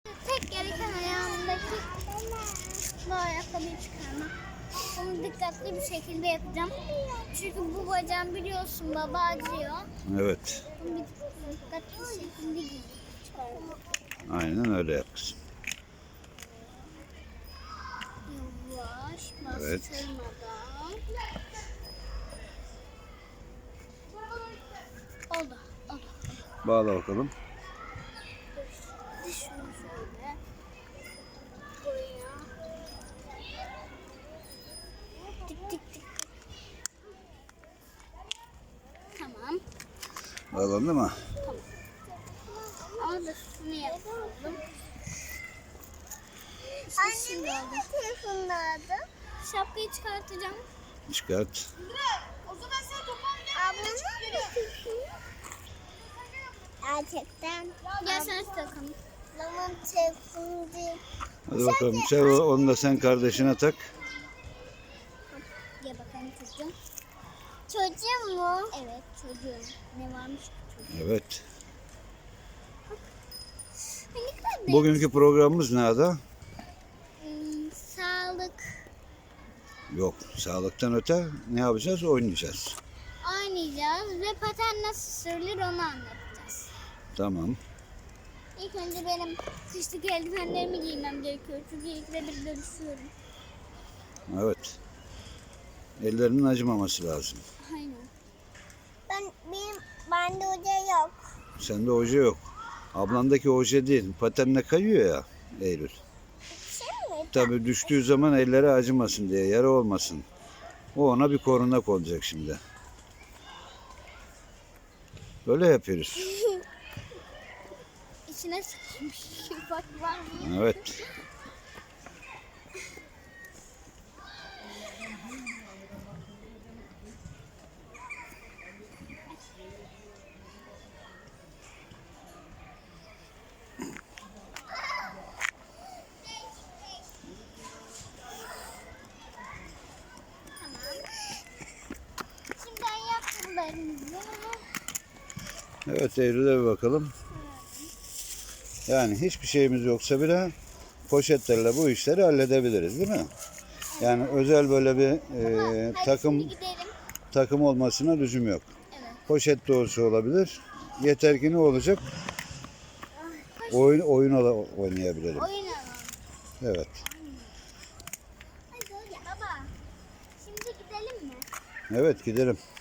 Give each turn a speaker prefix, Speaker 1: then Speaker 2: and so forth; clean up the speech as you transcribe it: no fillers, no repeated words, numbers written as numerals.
Speaker 1: Tek gereken ayağımdaki bu ayakkabıyı çıkarmak. Bunu dikkatli bir şekilde yapacağım. Çünkü bu bacağım biliyorsun baba acıyor.
Speaker 2: Evet.
Speaker 1: Bunu dikkatli bir şekilde çıkarmak.
Speaker 2: Aynen öyle yap kızım.
Speaker 1: Yavaş
Speaker 2: Evet.
Speaker 1: bastırmadan. Oldu. Oldu.
Speaker 2: Bağla bakalım.
Speaker 1: Şunu şöyle. Buraya. Tik tik tik. Tamam.
Speaker 2: Bağlandı mı?
Speaker 1: Ama da şunu yapalım. Anne benim telefonum nerede? Şapkayı çıkartacağım.
Speaker 2: Çıkart.
Speaker 1: Ablamın gerçekten. Gel sen takalım. Ablamın telefonu değil.
Speaker 2: Hadi bakalım. Sev, onu da sen kardeşine tak.
Speaker 1: Gel bakalım çocuğum. Çocuğum mu? Evet çocuğum. Ne varmış ki çocuğum?
Speaker 2: Evet.
Speaker 1: Ne kadar
Speaker 2: Bugünkü programımız ne Ada?
Speaker 1: Sağlık.
Speaker 2: Yok. Sağlıktan öte ne yapacağız? Oynayacağız.
Speaker 1: Oynayacağız ve paten nasıl sürülür onu anlatacağız.
Speaker 2: Tamam.
Speaker 1: İlk önce benim kışlık eldivenlerimi giymem gerekiyor. Çünkü ilk de bir dönüşüyorum.
Speaker 2: Evet. Ellerinin acımaması lazım.
Speaker 1: Aynen. Bende hoca yok.
Speaker 2: Sende oje yok. Ablandaki oje değil. Patenle kayıyor ya Eylül.
Speaker 1: Şey mi?
Speaker 2: Tabii düştüğü zaman elleri acımasın diye, yara olmasın. O ona bir korunak olacak şimdi. Böyle yapıyoruz.
Speaker 1: İçine sıkılmış. Bak var mı?
Speaker 2: Evet.
Speaker 1: Şimdi ayakkabılarımızı.
Speaker 2: Evet Eylül'e bir bakalım. Yani hiçbir şeyimiz yoksa bile poşetlerle bu işleri halledebiliriz değil mi? Yani özel böyle bir
Speaker 1: Hadi şimdi gidelim.
Speaker 2: takım olmasına lüzum yok.
Speaker 1: Evet.
Speaker 2: Poşet de olsa olabilir. Yeter ki ne olacak? Oyun oynayabilirim.
Speaker 1: Oyun alalım.
Speaker 2: Evet.
Speaker 1: Hadi baba. Şimdi gidelim mi?
Speaker 2: Evet gidelim.